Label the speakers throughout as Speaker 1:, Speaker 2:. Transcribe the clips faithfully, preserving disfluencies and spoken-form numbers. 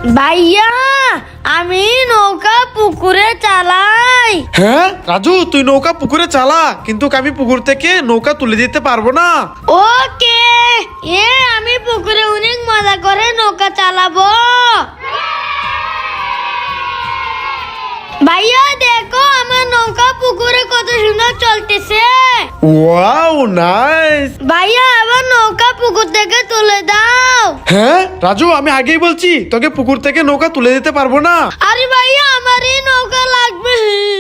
Speaker 1: ভাইয়া আমি নৌকা পুকুরে চালাই।
Speaker 2: হ্যাঁ রাজু, তুই নৌকা পুকুরে চালা, কিন্তু আমি পুকুর থেকে নৌকা তুলে দিতে পারবো না।
Speaker 1: ওকে, এ আমি পুকুরে অনেক মজা করে নৌকা চালাবো। ভাইয়া দেখো আমার নৌকা পুকুরে কত সুন্দর চলতেছে।
Speaker 2: Wow nice.
Speaker 1: ভাইয়া আবার নৌকা পুকুর থেকে তুলে দাও।
Speaker 2: হ্যাঁ রাজু, আমি আগেই বলছি তোকে পুকুর থেকে নৌকা তুলে দিতে পারবো না।
Speaker 1: আরে ভাইয়া আমার এই নৌকা লাগবে।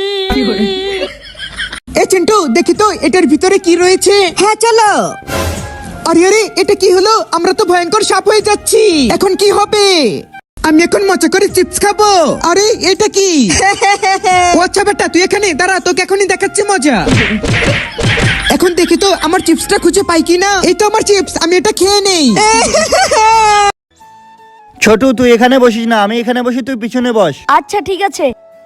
Speaker 3: এ চিন্টু, দেখি তো এটার ভিতরে কি রয়েছে। হ্যাঁ চলো। আরে আরে, এটা কি হলো? আমরা তো ভয়ঙ্কর সাপ হয়ে যাচ্ছি। এখন কি হবে? আমি এখন মজা করে চিপস খাবো। আরে এটা কি? ও আচ্ছা বেটা, তুই এখানে দাঁড়া, তোকে এখনই দেখাচ্ছি মজা। এখন দেখি তো আমার চিপসটা খুঁজে পাই কিনা। এই তো আমার চিপস, আমি এটা খেয়ে নেই।
Speaker 4: ছোটু তুই এখানে বসিস না, আমি এখানে বসি, তুই পিছনে বস।
Speaker 1: আচ্ছা ঠিক আছে।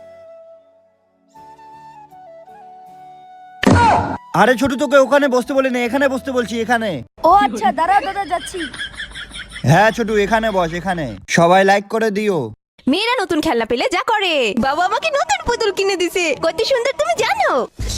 Speaker 4: আরে ছোটু, তোকে ওখানে বসতে বলি না, এখানে বসতে বলছি, এখানে।
Speaker 1: ও আচ্ছা, দাঁড়া দাদা যাচ্ছি।
Speaker 4: হ্যাঁ ছোটু, এখানে বস, এখানে। সবাই লাইক করে দিও।
Speaker 5: মেয়েরা নতুন খেলনা পেলে যা করে। বাবা আমাকে নতুন পুতুল কিনে দিছে, কত সুন্দর তুমি জানো।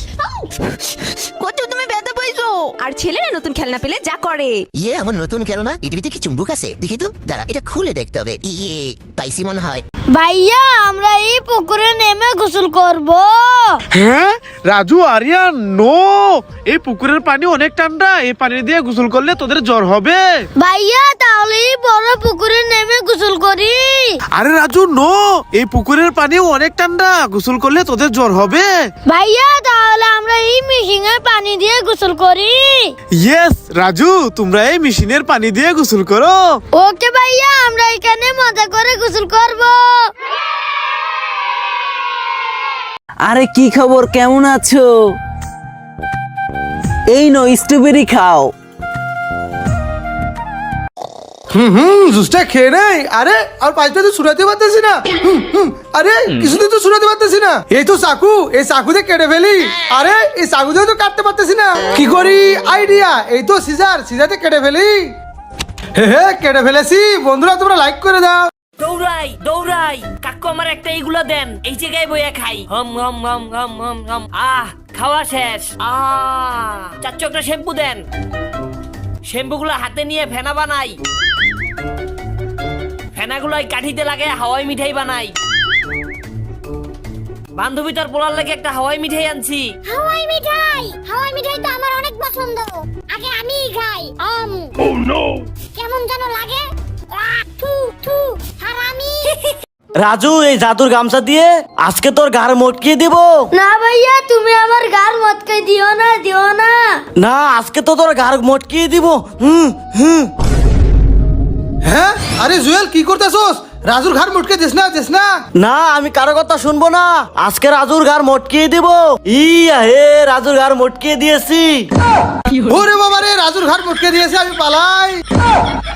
Speaker 5: কত তুমি ব্যথা পাইছো। আর ছেলেরা নতুন খেলনা পেলে যা করে।
Speaker 6: ইয়ে আমার নতুন খেলনা, এটার ভিতরে কি চুম্বুক আছে? দেখি তো, দাঁড়া, এটা খুলে দেখতে হবে। ইয়ে পাইসি মনে হয়।
Speaker 1: ভাইয়া আমরা এই পুকুরে নেমে গোসল করব।
Speaker 2: হ্যাঁ রাজু, আরিয়ান, নো, এই পুকুরের পানি অনেক ঠান্ডা, এই পানি দিয়ে গোসল করলে তোদের জ্বর হবে।
Speaker 1: ভাইয়া তাহলে এই বড় পুকুরে নেমে গোসল করি।
Speaker 2: আরে রাজু, নো, এই পুকুরের পানিও অনেক ঠান্ডা, গোসল করলে তোদের জ্বর হবে।
Speaker 1: ভাইয়া তাহলে আমরা এই মেশিনের পানি দিয়ে গোসল করি।
Speaker 2: ইয়েস রাজু, তোমরা এই মেশিনের পানি দিয়ে গোসল করো।
Speaker 1: ওকে ভাইয়া, আমরা এখানে মজা করে গোসল করব।
Speaker 7: আরে কি খবর, কেমন আছো? এই নো স্ট্রবেরি খাও।
Speaker 8: হুম হুম জুসটা খেয়ে নেই। আরে আর পাঁচটা তো শুনাতে পারতেছি না। হুম, হুম, আরে কিছুদিন তো শুনাতে পারতেছি না। এই তো চাকু, এই চাকু দিয়ে কেটে ফেলি। আরে এই চাকু দিয়ে তো কাটতে পারতেছি না, কি করি? আইডিয়া, এই তো সিজার, সিজাতে কেটে ফেলি। হে হে কেটে ফেলেছি। বন্ধুরা তোমরা লাইক করে দাও।
Speaker 9: দৌড়াই দৌড়াই, কাকু আমার একটা এইগুলো দেন, এই জায়গায় বইয়া খাই। হম হম হম হম হম হম। আহ খাওয়া শেষ। আহ চাচ্চু একটা শ্যাম্পু দেন, শ্যাম্পুগুলো হাতে নিয়ে ফেনা বানাই, ফেনাগুলাই কাঠিতে লাগে হাওয়াই মিঠাই বানাই। বান্ধবী তার পোলার লাগে একটা হাওয়াই মিঠাই আনছি।
Speaker 1: হাওয়াই মিঠাই, হাওয়াই মিঠাই তো আমার অনেক পছন্দ, আগে আমিই খাই। আম কেমন যেন লাগে। আহ, থু থু হারামি।
Speaker 7: রাজু, এই জাদুর গামছা দিয়ে আজকে তোর গাড় মটকিয়ে দিব।
Speaker 1: না ভাইয়া, তুমি আমার গার মটকাই দিও না, দিও না।
Speaker 7: না, আজকে তো তোর গাড় মটকিয়ে দিব। হুম হুম।
Speaker 8: হ্যাঁ আরে জুয়েল, কি করতেছস? রাজুর ঘর মুটকে দিস না, দিস না।
Speaker 7: না, আমি কারো কথা শুনবো না, আজকে রাজুর গাড় মটকিয়ে দিব। ইয়া হে, রাজুর গাড় মটকিয়ে দিয়েছি।
Speaker 8: ওরে বাবা রে, রাজুর ঘর মুটকে দিয়েছে, আমি পালাই।